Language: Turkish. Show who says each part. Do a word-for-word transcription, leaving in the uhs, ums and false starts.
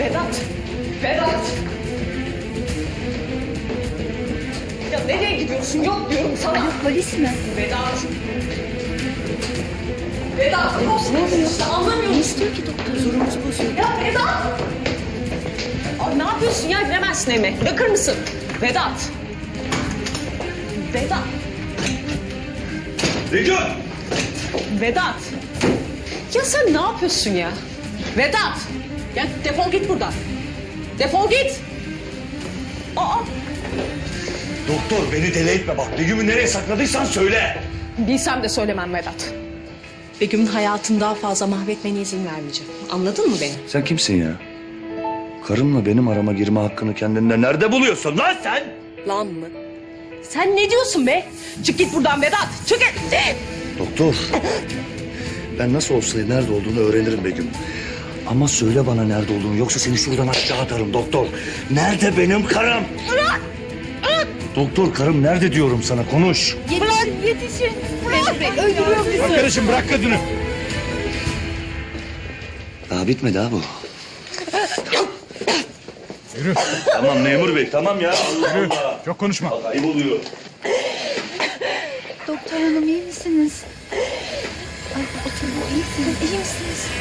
Speaker 1: Vedat! Vedat! Ya nereye gidiyorsun? Yok diyorum sana.
Speaker 2: Alo, polis mi?
Speaker 1: Vedat! Vedat! Ne oluyor? İşte anlamıyorum.
Speaker 2: Ne istiyor ki doktor? Zorumuz bozuyor.
Speaker 1: Ya Vedat! Ay, ne yapıyorsun ya? Giremezsin eve. Bırakır mısın? Vedat! Vedat!
Speaker 3: Begüm!
Speaker 1: Vedat! Ya sen ne yapıyorsun ya? Vedat! Ya defol git buradan. Defol git! Aa!
Speaker 3: Doktor beni deli etme bak. Begüm'ü nereye sakladıysan söyle.
Speaker 1: Bilsem de söylemem Vedat. Begüm'ün hayatını daha fazla mahvetmene izin vermeyeceğim. Anladın mı beni?
Speaker 3: Sen kimsin ya? Karımla benim arama girme hakkını kendinde nerede buluyorsun lan sen?
Speaker 1: Lan mı? Sen ne diyorsun be? Çık git buradan Vedat. Çık git.
Speaker 3: Doktor. Ben nasıl olsa nerede olduğunu öğrenirim Begüm. Ama söyle bana nerede olduğunu yoksa seni şuradan aşağı atarım doktor. Nerede benim karım?
Speaker 1: Bırak! Bırak!
Speaker 3: Doktor karım nerede diyorum sana konuş.
Speaker 2: Yetişin, yetişin. Memur Bey öldürüyor bizi.
Speaker 3: Arkadaşım bırak kadını. Daha bitmedi ha bu.
Speaker 4: Yürü.
Speaker 3: Tamam memur bey tamam ya. Allah
Speaker 4: Yürü.
Speaker 3: Allah.
Speaker 4: Çok konuşma.
Speaker 3: Bak, ayıp oluyor.
Speaker 2: Doktor hanım iyi misiniz? Ay, oturun, iyi misiniz? İyi misiniz?